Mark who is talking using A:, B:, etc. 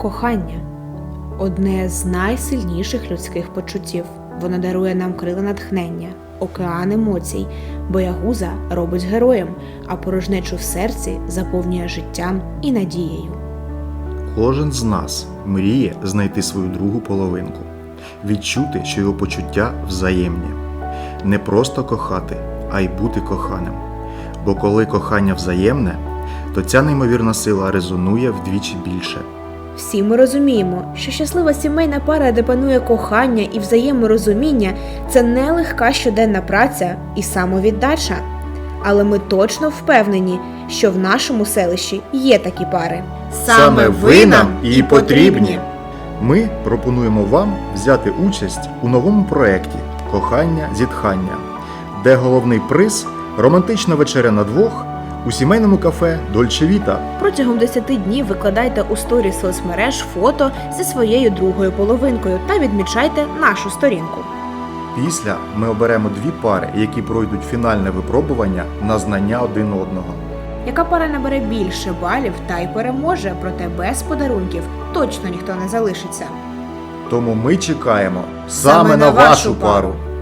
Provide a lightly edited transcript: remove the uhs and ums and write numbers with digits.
A: Кохання – одне з найсильніших людських почуттів. Воно дарує нам крила натхнення, океан емоцій, боягуза робить героєм, а порожнечу в серці заповнює життям і надією.
B: Кожен з нас мріє знайти свою другу половинку, відчути, що його почуття взаємні. Не просто кохати, а й бути коханим. Бо коли кохання взаємне, то ця неймовірна сила резонує вдвічі більше.
A: Всі ми розуміємо, що щаслива сімейна пара, де панує кохання і взаєморозуміння – це не легка щоденна праця і самовіддача. Але ми точно впевнені, що в нашому селищі є такі пари.
B: Саме ви нам і потрібні! Ми пропонуємо вам взяти участь у новому проєкті «Кохання-зітхання», де головний приз – романтична вечеря на двох у сімейному кафе «Дольче Віта».
A: Протягом 10 днів викладайте у сторі соцмереж фото зі своєю другою половинкою та відмічайте нашу сторінку.
B: Після ми оберемо 2 пари, які пройдуть фінальне випробування на знання один одного.
A: Яка пара набере більше балів та й переможе, проте без подарунків точно ніхто не залишиться.
B: Тому ми чекаємо саме на вашу пару!